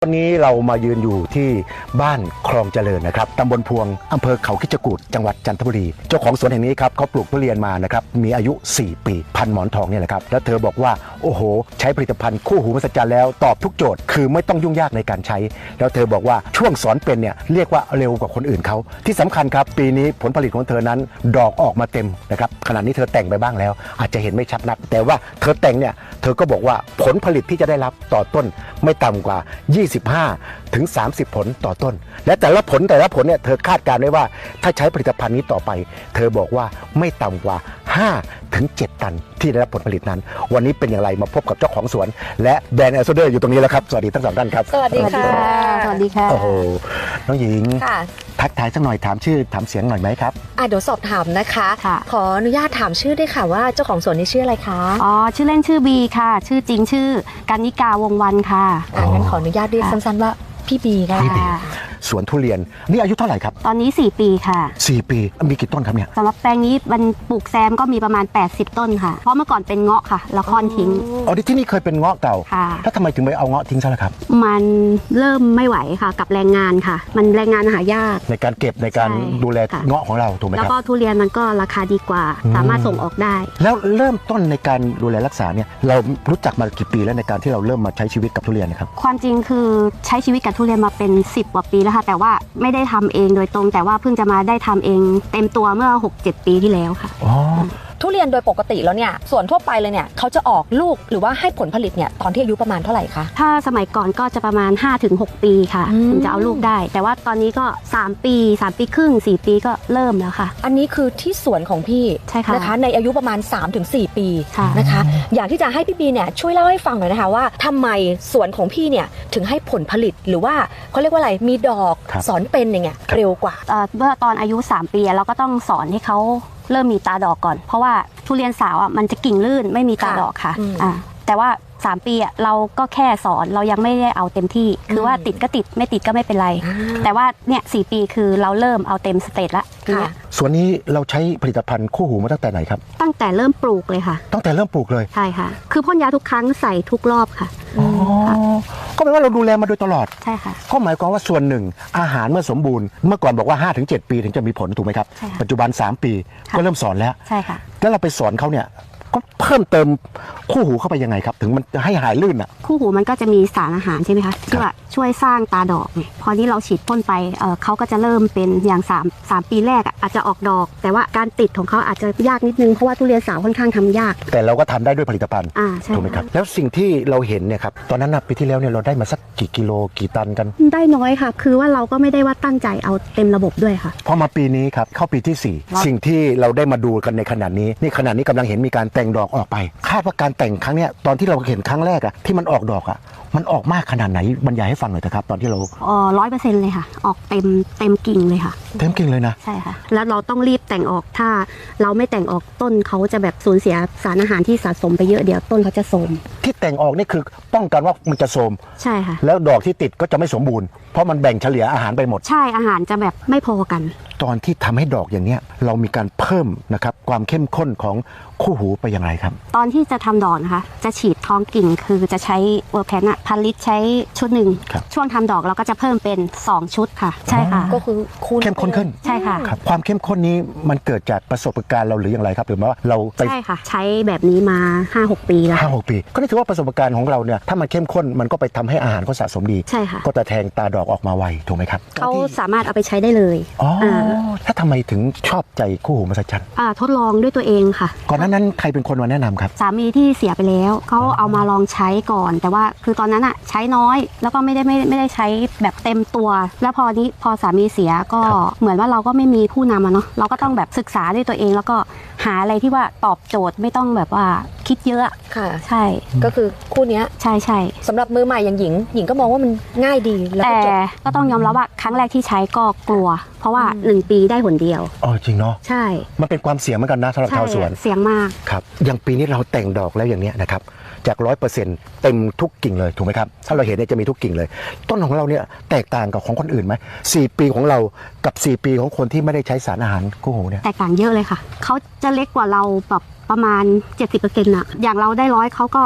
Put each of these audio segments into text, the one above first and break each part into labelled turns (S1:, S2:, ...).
S1: วันนี้เรามายืนอยู่ที่บ้านคลองเจริญนะครับตำบลพวงอำเภอเขาคิดจกูฏจังหวัดจันทบุรีเจ้าของสวนแห่งนี้ครับเขาปลูกทุเรียนมานะครับมีอายุ 4 ปีพันหมอนทองเนี่ยแหละครับแล้วเธอบอกว่าโอ้โหใช้ผลิตภัณฑ์คู่หูมหัศจรรย์แล้วตอบทุกโจทย์คือไม่ต้องยุ่งยากในการใช้แล้วเธอบอกว่าช่วงสอนเป็นเนี่ยเรียกว่าเร็วกว่าคนอื่นเขาที่สำคัญครับปีนี้ผลผลิตของเธอนั้นดอกออกมาเต็มนะครับขณะนี้เธอแต่งไปบ้างแล้วอาจจะเห็นไม่ชัดนักแต่ว่าเธอแต่งเนี่ยเธอก็บอกว่าผลผลิตที่จะได้รับต่อต้นไม่ต่ำกว่า25 ถึง 30 ผลต่อต้นและแต่ละผลเนี่ยเธอคาดการณ์ไว้ว่าถ้าใช้ผลิตภัณฑ์นี้ต่อไปเธอบอกว่าไม่ต่ำกว่า5 ถึง 7 ตันที่ได้รับผลผลิตนั้นวันนี้เป็นอย่างไรมาพบกับเจ้าของสวนและแบรนด์แอมบาสเดอร์อยู่ตรงนี้แล้วครับสวัสดีทั้งสองท่านครับ
S2: สวัสดีค่ะ
S3: สวัสดีค่ะ
S1: โอ้โหน้องหญิง
S2: ค่ะ
S1: ทักทายสักหน่อยถามชื่อถามเสียงหน่อยไหมครับ
S2: เดี๋ยวสอบถามนะคะขออนุญาตถามชื่อด้วยค่ะว่าเจ้าของสวนนี้ชื่ออะไรคะ
S3: ชื่อเล่นชื่อบีค่ะชื่อจริงชื่อกันนิกาวงวันค่ะ
S2: งั้นขออนุญาตเรียกสั้นๆว่าพี่บีค่ะ
S1: สวนทุเรียนนี่อายุเท่าไหร่ครับ
S3: ตอนนี้4 ปีค่ะ
S1: 4 ปีมีกี่ต้นครับเนี่ย
S3: สำหรับแปลงนี้มันปลูกแซมก็มีประมาณ80 ต้นค่ะเพราะเมื่อก่อนเป็นเงาะค่ะแล้วค่อนทิ้ง
S1: ที่นี่เคยเป็นเงาะเก่าแล้วทำไมถึงไปเอาเงาะทิ้งซะล่ะครับ
S3: มันเริ่มไม่ไหวค่ะกับแรงงานค่ะมันแรงงานหายาก
S1: ในการเก็บในการดูแลเงาะของเราถูกไหมครับ
S3: แล้วก็ทุเรียนมันก็ราคาดีกว่าสามารถส่งออกได้
S1: แล้วเริ่มต้นในการดูแลรักษาเนี่ยเรารู้จักมากี่ปีแล้วในการที่เราเริ่มมาใช้ชีวิตกับทุเรียนนะครับ
S3: ความจริงคือใช้ชีวิตกับทุเรียนมาเป็น10 กว่าปีแล้วค่ะแต่ว่าไม่ได้ทำเองโดยตรงแต่ว่าเพิ่งจะมาได้ทำเองเต็มตัวเมื่อ 6-7 ปีที่แล้วค่ะ
S2: ทุเรียนโดยปกติแล้วเนี่ยส่วนทั่วไปเลยเนี่ยเขาจะออกลูกหรือว่าให้ผลผลิตเนี่ยตอนที่อายุประมาณเท่าไหร่คะ
S3: ถ้าสมัยก่อนก็จะประมาณ 5-6 ปีค่ะถึงจะเอาลูกได้แต่ว่าตอนนี้ก็3 ปี3 ปีครึ่ง4 ปีก็เริ่มแล้วค่ะ
S2: อันนี้คือที่สวนของพี่
S3: ใช่ค่ะ
S2: นะคะในอายุประมาณ 3-4 ปีนะคะอยากที่จะให้พี่บีเนี่ยช่วยเล่าให้ฟังหน่อยนะคะว่าทำไมสวนของพี่เนี่ยถึงให้ผลผลิตหรือว่าเขาเรียกว่าอะไรมีดอกสอนเป็นอย่างเงี้ยเร็วกว่า
S3: เมื่อตอนอายุ3 ปีเราก็ต้องสอนให้เขาเริ่มมีตาดอกก่อนเพราะว่าทุเรียนสาวมันจะกิ่งลื่นไม่มีตาดอกค่ะแต่ว่า3 ปีเราก็แค่สอนเรายังไม่ได้เอาเต็มที่คือว่าติดก็ติดไม่ติดก็ไม่เป็นไรแต่ว่าเนี่ย4 ปีคือเราเริ่มเอาเต็มสเตจละ
S1: ส่วนนี้เราใช้ผลิตภัณฑ์คู่หูมาตั้งแต่ไหนครับ
S3: ตั้งแต่เริ่มปลูกเลยค่ะ
S1: ตั้งแต่เริ่มปลูกเลย
S3: ใช่ค่ะคือพ่นยาทุกครั้งใส่ทุกรอบค่ะ
S1: ก็แปลว่าเราดูแลมาโดยตลอด
S3: ใช่ค่ะ
S1: ก็หมายความว่าส่วนหนึ่งอาหารเมื่อสมบูรณ์เมื่อก่อนบอกว่า 5-7 ปีถึงจะมีผลถูกไหมครับปัจจุบัน3 ปีก็เริ่มสอนแล้ว
S3: ใช่ค่ะ
S1: แล้วเราไปสอนเขาเนี่ยก็เพิ่มเติมคู่หูเข้าไปยังไงครับถึงมันจะให้หายลื่นอ่ะ
S3: คู่หูมันก็จะมีสารอาหารใช่ไหมคะที่ว่าช่วยสร้างตาดอกพอที่เราฉีดพ่นไปเขาก็จะเริ่มเป็นอย่าง3 ปีแรกอาจจะออกดอกแต่ว่าการติดของเขาอาจจะยากนิดนึงเพราะว่าทุเรียนสาวค่อนข้างทำยาก
S1: แต่เราก็ทำได้ด้วยผลิตภัณฑ์ถูกไหมครับแล้วสิ่งที่เราเห็นเนี่ยครับตอนนั้นปีที่แล้วเนี่ยเราได้มาสักกี่กิโลกี่ตันกัน
S3: ได้น้อยค่ะคือว่าเราก็ไม่ได้ว่าตั้งใจเอาเต็มระบบด้วยค่ะ
S1: พอมาปีนี้ครับเข้าปีที่4สิ่งที่เราได้มาดูกันในขณะนี้กำลังเห็นมีการแต่งดอกออกไปคาดว่าการแต่งครั้งเนี้ยตอนที่เราเห็นครั้งแรกที่มันออกดอกมันออกมากขนาดไหนบรรยายให้ฟังหน่อยนะครับตอนที่เรา
S3: 100%เลยค่ะออกเต็มกิ่งเลยค่ะ
S1: เต็มกิ่งเลยนะ
S3: ใช่ค่ะแล้วเราต้องรีบแต่งออกถ้าเราไม่แต่งออกต้นเขาจะแบบสูญเสียสารอาหารที่สะสมไปเยอะเดี๋ยวต้นเขาจะโทรม
S1: ที่แต่งออกนี่คือป้องกันว่ามันจะโทรม
S3: ใช่ค่ะ
S1: แล้วดอกที่ติดก็จะไม่สมบูรณ์เพราะมันแบ่งเฉลี่ยอาหารไปหมด
S3: ใช่อาหารจะแบบไม่พอกัน
S1: ตอนที่ทำให้ดอกอย่างเนี้ยเรามีการเพิ่มนะครับความเข้มข้นของคู่หูไปอย่างไรครับ
S3: ตอนที่จะทำดอกนะคะจะฉีดท้องกิ่งคือจะใช้เวอร์แพนพันลิตรใช้ชุดหนึ่งช่วงทำดอกเราก็จะเพิ่มเป็น2 ชุดค่ะใช่ค่ะ
S2: ก็คือ
S1: เข้มข้นขึ้น
S3: ใช่ค่ะ
S1: ความเข้มข้นนี้มันเกิดจากประสบการณ์เราหรืออย่างไรครับหรือว่าเรา
S3: ใช่ค่ะใช้แบบนี้มา 5-6 ปีแล้ว
S1: 5-6 ปีก็ถือว่าประสบการณ์ของเราเนี่ยถ้ามันเข้มข้นมันก็ไปทำให้อาหารเขาสะสมดี
S3: ใช่ค่ะ
S1: ก็จะแทงตาดอกออกมาไวถูกไหมครับ
S3: เขาสามารถเอาไปใช้ได้เลย
S1: ถ้าทำไมถึงชอบใจคู่หูมหัศจรรย์
S3: ทดลองด้วยตัวเองค่ะ
S1: ก่อนนั้นใครเป็นคนมาแนะนำครับ
S3: สามีที่เสียไปแล้วเขาเอามาลองใช้ก่อนแต่ว่าคือตอนนั้นใช้น้อยแล้วก็ไม่ได้ใช้แบบเต็มตัวแล้วพอสามีเสียก็เหมือนว่าเราก็ไม่มีผู้นำเนาะเราก็ต้องแบบศึกษาด้วยตัวเองแล้วก็หาอะไรที่ว่าตอบโจทย์ไม่ต้องแบบว่าคิดเยอะ
S2: ค่ะ
S3: ใช่
S2: ก็คือคู่นี้
S3: ใช่
S2: สำหรับมือใหม่อย่างหญิงก็มองว่ามันง่ายดี
S3: แต่ก็ต้องยอมรับว่าครั้งแรกที่ใช้ก็กลัวเพราะว่า1 ปีได้หนเดียว
S1: จริงเนาะ
S3: ใช่
S1: มันเป็นความเสี่ยงเหมือนกันนะสำหรับชาวสวน
S3: เสี่ยงมาก
S1: ครับอย่างปีนี้เราแต่งดอกแล้วอย่างเนี้ยนะครับจาก 100% เต็มทุกกิ่งเลยถูกไหมครับถ้าเราเห็นเนี่ยจะมีทุกกิ่งเลยต้นของเราเนี่ยแตกต่างกับของคนอื่นไหม4 ปีของเรากับ4 ปีของคนที่ไม่ได้ใช้สารอาหารคู่หูเนี่ย
S3: แตกต่างเยอะเลยค่ะเขาจะเล็กกว่าเราแบบประมาณ 70% อย่างเราได้100เขาก็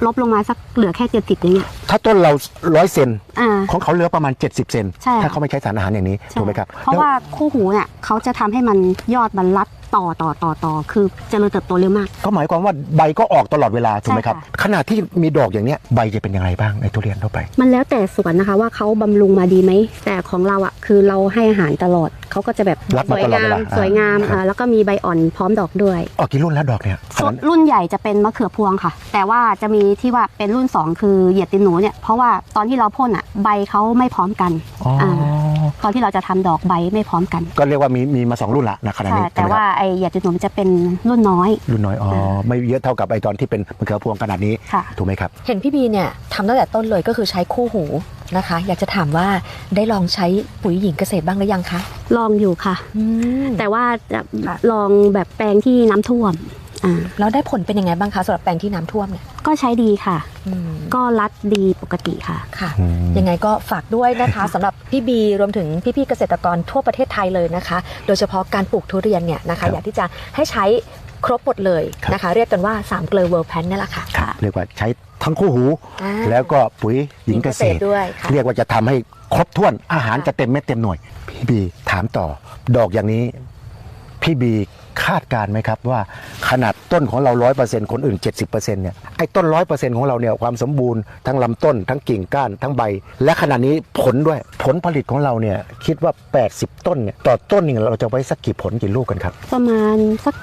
S3: ลบลงมาสักเหลือแค่70อย่างเงี้ย
S1: ถ้าต้นเรา100 เซน
S3: อ่า
S1: ของเขาเหลือประมาณ70 เซน
S3: ใช่
S1: ถ้าเขาไม่ใช้สารอาหารอย่างนี้
S3: ใช่
S1: ถูกไหมครับ
S3: เพราะว่าคู่หูเนี่ยเขาจะทำให้มันยอดมันรัดต่อคือเจริญเติบโตเร็วมาก
S1: ก็หมายความว่าใบก็ออกตลอดเวลาถูกไหมครับ
S3: ใช่ค่ะ
S1: ขณะที่มีดอกอย่างเนี้ยใบจะเป็นยังไงบ้างในทุเรียนทั่วไป
S3: มันแล้วแต่สวนนะคะว่าเขาบำรุงมาดีไหมแต่ของเราอ่ะคือเราให้อาหารตลอดเขาก็จะแบบ
S1: รับ
S3: ส
S1: มา
S3: วย
S1: ตลอด
S3: งา
S1: เว
S3: ม
S1: ลา
S3: สวยงาม
S1: ครับ
S3: แล้วก็มีใบอ่อนพร้อมดอกด้วย
S1: ออกกี่รุ่นแล้วดอกเนี่ย
S3: รุ่นใหญ่จะเป็นมะเขือพวงค่ะ แต่ว่าจะมีที่ว่าเป็นรุ่น 2 คือเหยียดตินหนูเนี่ยเพราะว่าตอนที่เราพ่นอ่ะใบเขาไม่พร้อมกัน
S1: อ๋อ
S3: ตอนที่เราจะทำดอกใบไม่พร้อมกัน
S1: ก็เรียกว่ามีมา2 รุ่นละนะขณะ
S3: ใช่
S1: นี้
S3: แต่ว่าไอเหยียดตินหนูมันจะเป็นรุ่นน้อย
S1: รุ่นน้อยไม่เยอะเท่ากับไอตอนที่เป็นมะเขือพวงขนาดนี้
S3: ค่ะ
S1: ถูกไหมครับ
S2: เห็นพี่บีเนี่ยทำตั้งแต่ต้นเลยก็คือใช้คู่หูนะคะ อยากจะถามว่าได้ลองใช้ปุ๋ยหญิงเกษตรบ้างหรือยังคะ
S3: ลองอยู่ค่ะ แต่ว่าจะ
S2: ค่ะ
S3: ลองแบบแปลงที่น้ำท่วมา
S2: แล้วได้ผลเป็นยังไงบ้างคะสำหรับแปลงที่น้ำท่วมเนี่ย
S3: ก็ใช้ดีค่ะ
S2: อืม
S3: ก็รัดดีปกติค่ะ
S2: ค่ะ
S1: อืม
S2: ยังไงก็ฝากด้วยนะคะสำหรับพี่บีรวมถึงพี่ๆเกษตรกรทั่วประเทศไทยเลยนะคะ โดยเฉพาะการปลูกทุเรียนเนี่ยนะ
S1: ครั
S2: คะ
S1: บ
S2: อยากที่จะให้ใช้ครบหมดเลย
S1: ครับ
S2: นะคะ เรียกกันว่า3เกลือเวิร์ลแพนนี่แหละค่ะ
S1: เรียกว่าใช้ทั้งคู่หู
S2: อ่า
S1: แล้วก็ปุ๋ยหญิงเกษตร
S2: ด้วยค่ะ
S1: เรียกว่าจะทำให้ครบถ้วนอาหารจะเต็มเม็ดเต็มหน่วย พี่บีถามต่อ ดอกอย่างนี้พี่บีคาดการณ์ไหมครับว่าขนาดต้นของเรา 100%คนอื่น 70%เนี่ยไอ้ต้น 100%ของเราเนี่ยความสมบูรณ์ทั้งลำต้นทั้งกิ่งก้านทั้งใบ และขณะนี้ผลด้วยผลผลิตของเราเนี่ยคิดว่า 80 ต้นเนี่ยต่อต้นเนี่ยเราจะไว้สักกี่ผลกี่ลูกกันครับ
S3: ประมาณสัก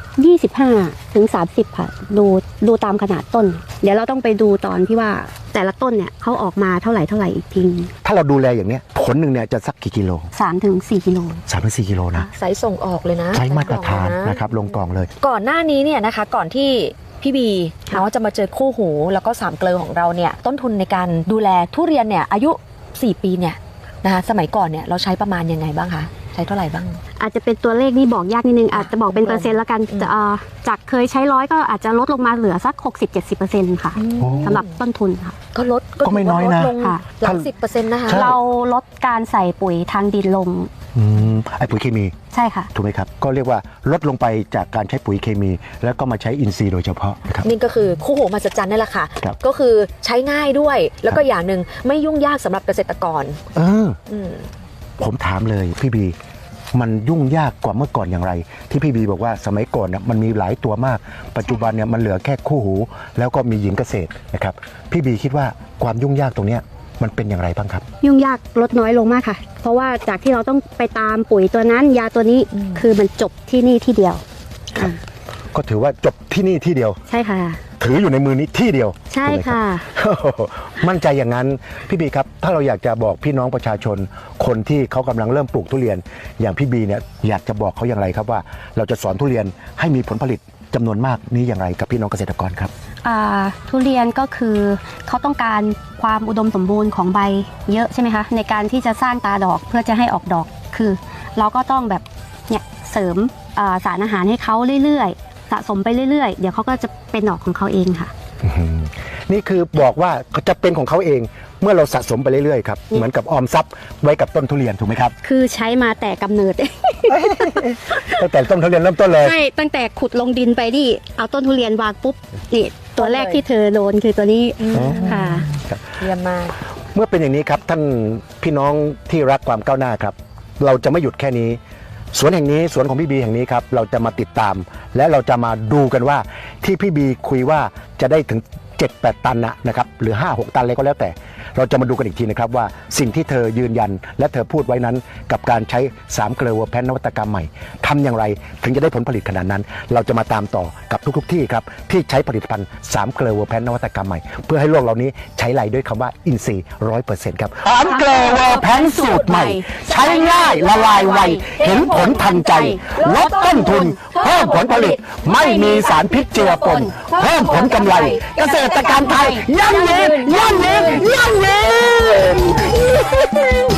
S3: 25ถึง30ค่ะดูตามขนาดต้น เดี๋ยวเราต้องไปดูตอนที่ว่าแต่ละต้นเนี่ยเขาออกมาเท่าไหร่อีกที
S1: ถ้าเราดูแลอย่างเนี้ยผลหนึ่งเนี่ยจะสักกี่กิโล
S3: 3 ถึง 4 กิโล
S1: 3-4 กิโลนะ
S2: ไซส์ส่งออกเลยนะ
S1: ใช้มาตรฐาน
S2: ไซส์กล่องเลย
S1: นะครับลงกล่องเลย
S2: ก่อนหน้านี้เนี่ยนะคะก่อนที่พี่บีเนาะจะมาเจอคู่หูแล้วก็3เกลือของเราเนี่ยต้นทุนในการดูแลทุเรียนเนี่ยอายุ 4 ปีเนี่ยนะคะสมัยก่อนเนี่ยเราใช้ประมาณยังไงบ้างคะใช้เท่าไหร่บ้าง
S3: อาจจะเป็นตัวเลขนี่บอกยากนิดนึงอาจจะบอกเป็นเปอร์เซ็นต์ละกัน
S2: อืม
S3: จากเคยใช้100ก็อาจจะลดลงมาเหลือสัก 60-70%ค่ะ
S1: โอ้
S3: สำหรับต้นทุนค่ะ
S2: ก็ลด
S1: ก็ไม่น้อยนะ
S2: ถืว่าลดลง
S3: ค่ะ
S2: หลัก10%นะคะ
S1: ใช่
S3: เราลดการใส่ปุ๋ยทางดินลง
S1: ไอ้ปุ๋ยเคมี
S3: ใช่ค่ะ
S1: ถูกไหมครับ ก็เรียกว่าลดลงไปจากการใช้ปุ๋ยเคมี แล้วก็มาใช้อินทรีย์โดยเฉพาะนะครับ
S2: นี่ก็คือคู่หูมหัศจรรย์นั่นแหละค่ะ
S1: ครับ
S2: ก็คือใช้ง่ายด้วย แล้วก็อย่างหนึ่งไม่ยุ่งยากสำหรับเกษตรกร
S1: เออ
S2: อืม
S1: ผมถามเลยพี่บีมันยุ่งยากกว่าเมื่อก่อนอย่างไร ที่พี่บีบอกว่าสมัยก่อนเนี่ยมันมีหลายตัวมาก ปัจจุบันเนี่ยมันเหลือแค่คู่หู แล้วก็มีหญิงเกษตรนะครับพี่บีคิดว่าความยุ่งยากตรงเนี้ยมันเป็นอย่างไรบ้างครับ
S3: ยุ่งยากลดน้อยลงมากค่ะ เพราะว่าจากที่เราต้องไปตามปุ๋ยตัวนั้นยาตัวนี้คือมันจบที่นี่ที่เดียว
S1: ครับ ก็ถือว่าจบที่นี่ที่เดียว
S3: ใช่ค่ะ
S1: ถืออยู่ในมือนี้ที่เดียว
S3: ใช่
S1: ถูกไหมรับ
S3: ค่ะ
S1: มั่นใจอย่างนั้นพี่บีครับถ้าเราอยากจะบอกพี่น้องประชาชน คนที่เขากำลังเริ่มปลูกทุเรียน อย่างพี่บีเนี่ยอยากจะบอกเขาอย่างไรครับว่าเราจะสอนทุเรียนให้มีผลผลิตจำนวนมากนี้อย่างไรกับพี่น้องเกษตรกรครับ
S3: ทุเรียนก็คือเขาต้องการความอุดมสมบูรณ์ของใบเยอะใช่ไหมคะในการที่จะสร้างตาดอกเพื่อจะให้ออกดอกคือ เราก็ต้องแบบเนี่ยเสริมสารอาหารให้เขาเรื่อยๆสะสมไปเรื่อยๆเดี๋ยวเขาก็จะเป็นดอกของเขาเองค่ะ
S1: นี่คือบอกว่าจะเป็นของเขาเองเมื่อเราสะสมไปเรื่อยๆครับเหมือนกับออมทรัพย์ไว้กับต้นทุเรียนถูกไหมครับ
S3: คือใช้มาแต่กำเนิด
S1: ตั้งแต่ต้นทุเรียนเริ่มต้นเลย
S3: ใช่ตั้งแต่ขุดลงดินไปนี่เอาต้นทุเรียนวางปุ๊บนี่ตัวแรกที่เธอโดนคือตัวนี้
S1: อ๋อ
S3: ค่ะ
S2: เยี่ยมมาก
S1: เมื่อเป็นอย่างนี้ครับท่านพี่น้องที่รักความก้าวหน้าครับ เราจะไม่หยุดแค่นี้ สวนแห่งนี้สวนของพี่บีแห่งนี้ครับเราจะมาติดตาม และเราจะมาดูกันว่าที่พี่บีคุยว่าจะได้ถึง 7-8 ตันนะครับหรือ 5-6 ตันอะไรก็แล้วแต่ เราจะมาดูกันอีกทีนะครับว่าสิ่งที่เธอยืนยัน และเธอพูดไว้นั้นกับการใช้3เกลือเวอร์แพนนวัตกรรมใหม่ทำอย่างไรถึงจะได้ผลผลิตขนาดนั้น เราจะมาตามต่อกับทุกๆที่ครับที่ใช้ผลิตภัณฑ์3เกลือเวอร์แพนนวัตกรรมใหม่เพื่อให้โลกเหล่านี้ใช้ไหลด้วยคำว่าอินทรีย์ 100% ครับ3เกลือเวอร์แพนสูตรใหม่ ใช้ง่ายละลายไวเห็นผลทันใจลดต้นทุนเพิ่มผลผลิตไม่มีสารพิษเจือปนเพิ่มผลกำไร เกษตรกรรมไทยยั่งยืนยั่งยืนยั่งยืน